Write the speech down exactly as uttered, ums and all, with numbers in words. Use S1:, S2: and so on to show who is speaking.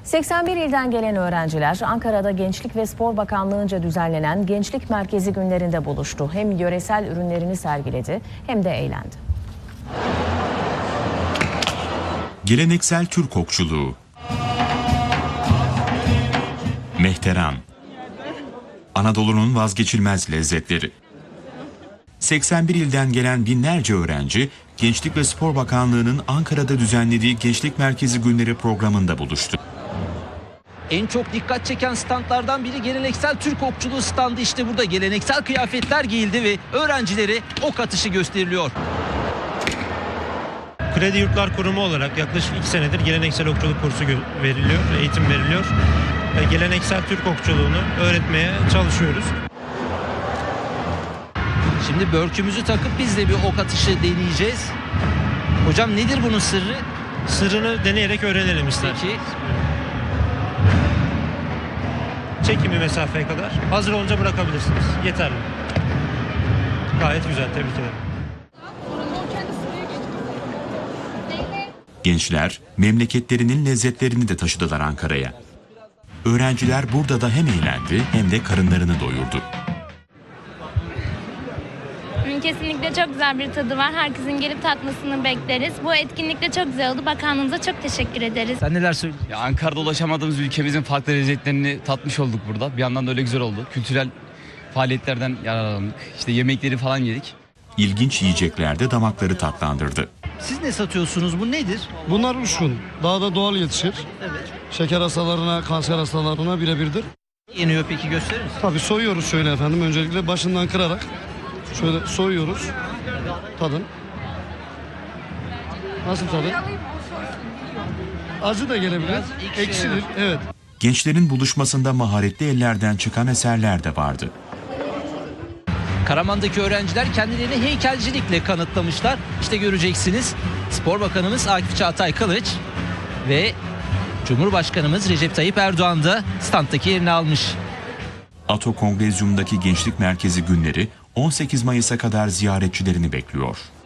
S1: seksen bir ilden gelen öğrenciler Ankara'da Gençlik ve Spor Bakanlığı'nca düzenlenen Gençlik Merkezi günlerinde buluştu. Hem yöresel ürünlerini sergiledi hem de eğlendi.
S2: Geleneksel Türk okçuluğu, mehteran, Anadolu'nun vazgeçilmez lezzetleri. seksen bir ilden gelen binlerce öğrenci, Gençlik ve Spor Bakanlığı'nın Ankara'da düzenlediği Gençlik Merkezi Günleri programında buluştu.
S3: En çok dikkat çeken standlardan biri geleneksel Türk okçuluğu standı. İşte burada geleneksel kıyafetler giyildi ve öğrencilere ok atışı gösteriliyor.
S4: Kredi Yurtlar Kurumu olarak yaklaşık iki senedir geleneksel okçuluk kursu veriliyor, eğitim veriliyor. Ve geleneksel Türk okçuluğunu öğretmeye çalışıyoruz.
S3: Şimdi börkümüzü takıp biz de bir ok atışı deneyeceğiz. Hocam nedir bunun sırrı?
S4: Sırrını deneyerek öğrenelim ister.
S3: Peki.
S4: Çekimi mesafeye kadar. Hazır olunca bırakabilirsiniz. Yeterli. Gayet güzel, tebrik ederim.
S2: Gençler memleketlerinin lezzetlerini de taşıdılar Ankara'ya. Öğrenciler burada da hem eğlendi hem de karınlarını doyurdu.
S5: Kesinlikle çok güzel bir tadı var. Herkesin gelip tatmasını bekleriz. Bu etkinlik de çok güzel oldu. Bakanlığımıza çok teşekkür ederiz.
S3: Sen neler söylüyorsun?
S6: Ya Ankara'da ulaşamadığımız ülkemizin farklı lezzetlerini tatmış olduk burada. Bir yandan da öyle güzel oldu. Kültürel faaliyetlerden yararlandık. İşte yemekleri falan yedik.
S2: İlginç yiyecekler de damakları tatlandırdı.
S3: Siz ne satıyorsunuz? Bu nedir?
S7: Bunlar uçkun. Dağda doğal yetişir.
S3: Evet.
S7: Şeker hastalarına, kanser hastalarına birebirdir.
S3: Yeniyor peki, gösterir misin?
S7: Tabii soyuyoruz şöyle efendim. Öncelikle başından kırarak şöyle soyuyoruz. Tadın. Nasıl tadı? Acı da gelebilir.
S3: Biraz ekşi,
S7: Ekşidir.
S3: evet.
S7: Evet.
S2: Gençlerin buluşmasında maharetli ellerden çıkan eserler de vardı.
S3: Karaman'daki öğrenciler kendilerini heykelcilikle kanıtlamışlar. İşte göreceksiniz. Spor Bakanımız Akif Çağatay Kılıç ve Cumhurbaşkanımız Recep Tayyip Erdoğan da standtaki yerini almış.
S2: Ato Kongrezyum'daki Gençlik Merkezi Günleri on sekiz Mayıs'a kadar ziyaretçilerini bekliyor.